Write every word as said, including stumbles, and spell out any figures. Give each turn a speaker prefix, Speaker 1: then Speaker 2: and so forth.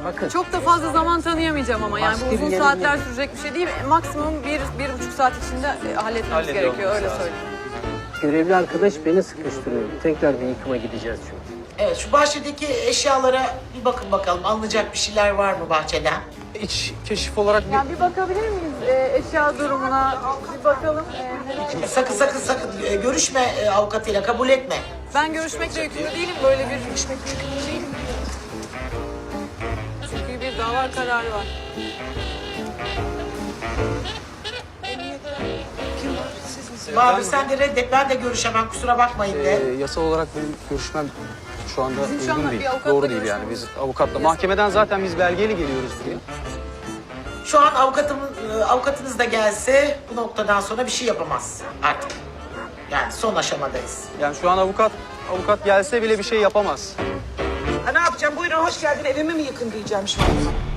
Speaker 1: Bakın.
Speaker 2: Çok da fazla zaman tanıyamayacağım ama yani bu
Speaker 1: Başka
Speaker 2: uzun
Speaker 1: bir
Speaker 2: saatler
Speaker 1: yerin-
Speaker 2: sürecek bir şey değil. Maksimum bir, bir buçuk saat içinde e, halletmemiz
Speaker 3: Hallediyor
Speaker 2: gerekiyor
Speaker 3: olması
Speaker 2: öyle
Speaker 3: lazım.
Speaker 2: söyleyeyim.
Speaker 1: Görevli arkadaş beni sıkıştırıyor. Tekrar bir yıkıma gideceğiz çünkü.
Speaker 4: Evet, şu bahçedeki eşyalara bir bakın bakalım. Alınacak bir şeyler var mı bahçeden?
Speaker 3: İç keşif olarak bir...
Speaker 2: Yani bir bakabilir miyiz e, eşya durumuna? Bir bakalım. E,
Speaker 4: Sakın sakın sakın e, görüşme e, avukatıyla, kabul etme.
Speaker 2: ben görüşmekle yükümlü değilim. Böyle bir görüşmekle yükümlü değilim. Çünkü bir dava kararı var.
Speaker 4: Abi sen de reddet, ben de görüşemem, kusura bakmayın de.
Speaker 3: Ee, yasal olarak benim görüşmem şu anda
Speaker 2: Bizim şu
Speaker 3: uygun
Speaker 2: anda
Speaker 3: değil.
Speaker 2: bir avukatla
Speaker 3: Doğru değil yani.
Speaker 2: görüşmemiz-
Speaker 3: Biz avukatla, mahkemeden zaten biz belgeyle geliyoruz buraya.
Speaker 4: Şu an avukatım, e, avukatınız da gelse bu noktadan sonra bir şey yapamaz artık. Yani son aşamadayız.
Speaker 3: Yani şu an avukat avukat gelse bile bir şey yapamaz.
Speaker 5: Ha, ne yapacağım? Buyurun hoş geldin. Evimi mi yıkın diyeceğim şu an.